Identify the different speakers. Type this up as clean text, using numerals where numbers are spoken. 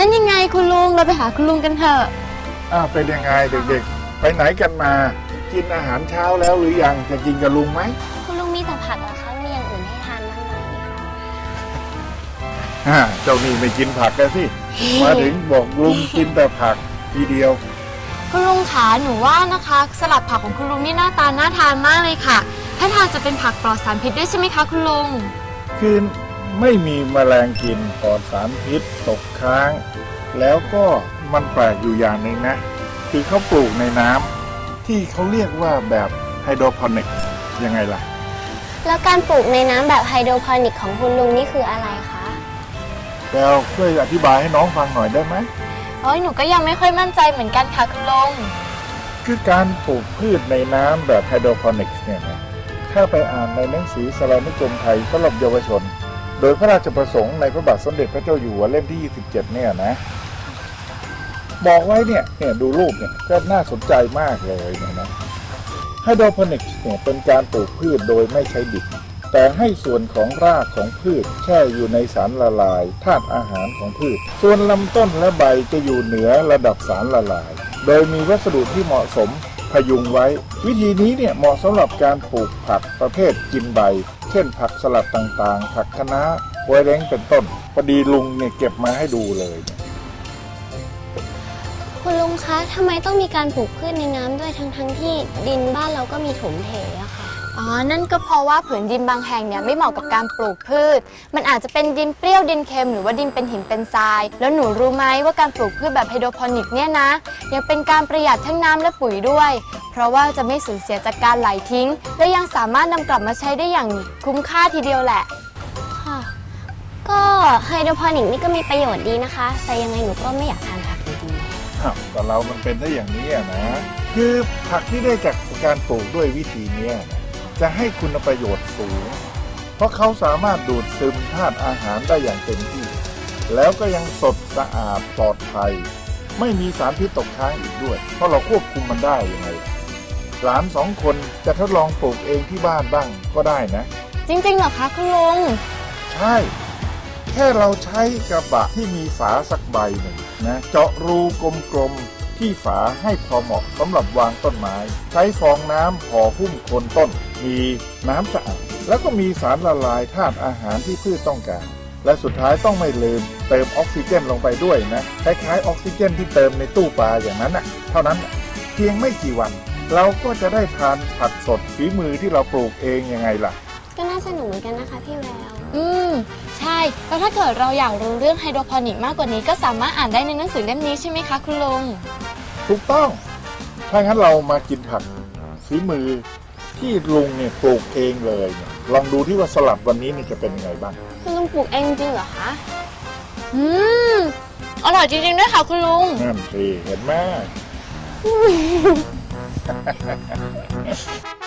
Speaker 1: นั่นยังไงคุณลุงเราไปหาคุณลุงกันเถอะ
Speaker 2: เป็นยังไงเด็กๆไปไหนกันมากินอาหารเช้าแล้วหรือยังจะกินกับลุงไหม
Speaker 3: คุณลุงมีแต่ผักเหรอคะมีอย่างอื่นให้ทานบ้างไหม
Speaker 2: เจ้านี่ไม่กินผักกันสิ มาถึงบอกลุงกินแต่ผักทีเดียว
Speaker 1: คุณลุงขาหนูว่านะคะสลัดผักของคุณลุงนี่หน้าตาน่าทานมากเลยค่ะถ้าทานจะเป็นผักปลอดสารพิษด้วยใช่ไหมคะคุณลุง
Speaker 2: คือไม่มีแมลงกินปลอดสารพิษตกค้างแล้วก็มันแปลกอยู่อย่างหนึ่งนะคือเขาปลูกในน้ำที่เขาเรียกว่าแบบไฮโดรโปนิกยังไงล่ะ
Speaker 3: แล้วการปลูกในน้ำแบบไฮโดรโปนิกของคุณลุงนี่คืออะไรคะ
Speaker 2: แล้วช่วยอธิบายให้น้องฟังหน่อยได้ไหม
Speaker 1: หนูก็ยังไม่ค่อยมั่นใจเหมือนกันค่ะคุณลุง
Speaker 2: คือการปลูกพืชในน้ำแบบไฮโดรโปนิกเนี่ยนะถ้าไปอ่านในหนังสือสารานุกรมไทยสำหรับเยาวชนโดยพระราชประสงค์ในพระบาทสมเด็จพระเจ้าอยู่หัวเล่มที่27เนี่ยนะบอกไว้เนี่ยดูรูปเนี่ยก็น่าสนใจมากเลยเนี่ยนะไฮโดรโปนิกเนี่ยเป็นการปลูกพืชโดยไม่ใช้ดินแต่ให้ส่วนของรากของพืชแช่อยู่ในสารละลายธาตุอาหารของพืชส่วนลำต้นและใบจะอยู่เหนือระดับสารละลายโดยมีวัสดุที่เหมาะสมพยุงไว้วิธีนี้เนี่ยเหมาะสำหรับการปลูกผักประเภทกินใบเช่นผักสลัดต่างๆผักคะน้าโวยเร้งเป็นต้นพอดีลุงเนี่ยเก็บมาให้ดูเลย
Speaker 3: คุณลุงคะทำไมต้องมีการปลูกพืชในน้ำด้วยทั้งที่ดินบ้านเราก็มีถมเถอะค่ะ
Speaker 1: นั่นก็เพราะว่าผืนดินบางแห่งเนี่ยไม่เหมาะกับการปลูกพืชมันอาจจะเป็นดินเปรี้ยวดินเค็มหรือว่าดินเป็นหินเป็นทรายแล้วหนูรู้ไหมว่าการปลูกพืชแบบไฮโดรโปนิกเนี่ยนะยังเป็นการประหยัดทั้งน้ำและปุ๋ยด้วยเพราะว่าจะไม่สูญเสียจากการไหลทิ้งและยังสามารถนำกลับมาใช้ได้อย่างคุ้มค่าทีเดียวแหละ
Speaker 3: ค่ะก็ไฮโดรโปนิกนี่ก็มีประโยชน์ดีนะคะแต่ยังไงหนูก็ไม่อยากทานผักดี
Speaker 2: ๆแต่เรามันเป็นได้อย่างนี้นะคือผักที่ได้จากการปลูกด้วยวิธีนี้จะให้คุณประโยชน์สูงเพราะเขาสามารถดูดซึมธาตุอาหารได้อย่างเต็มที่แล้วก็ยังสดสะอาดปลอดภัยไม่มีสารพิษตกค้างอีกด้วยเพราะเราควบคุมมันได้ยังไงหลาน2 คนจะทดลองปลูกเองที่บ้านบ้างก็ได้นะ
Speaker 1: จริงๆเหรอคะคุณลุง
Speaker 2: ใช่แค่เราใช้กระบะที่มีฝาสักใบหนึ่งนะเจาะรูกลมๆที่ฝาให้พอเหมาะสำหรับวางต้นไม้ใช้ฟองน้ำห่อหุ้มโคนต้นมีน้ำสะอาดแล้วก็มีสารละลายธาตุอาหารที่พืชต้องการและสุดท้ายต้องไม่ลืมเติมออกซิเจนลงไปด้วยนะคล้ายๆออกซิเจนที่เติมในตู้ปลาอย่างนั้นน่ะเท่านั้นเพียงไม่กี่วันเราก็จะได้ทานผักสดฝีมือที่เราปลูกเองยังไงล่ะ
Speaker 3: ก็น่าสนุกเหมือนกันนะคะพี่แวว
Speaker 1: ใช่แล้วถ้าเกิดเราอยากรู้เรื่องไฮโดรโปนิกมากกว่านี้ก็สามารถอ่านได้ในหนังสือเล่มนี้ใช่ไหมคะคุณลุง
Speaker 2: ถูกต้องถ้างั้นเรามากินผักฝีมือที่ลุงเนี่ยปลูกเองเลยลองดูที่ว่าสลัดวันนี้นี่จะเป็นยังไงบ้าง
Speaker 3: คุณลุงปลูกเองจริงเหรอคะ
Speaker 1: อร่อยจริงๆด้วยค่ะคุณลุง
Speaker 2: นั่นสิเห็นไหม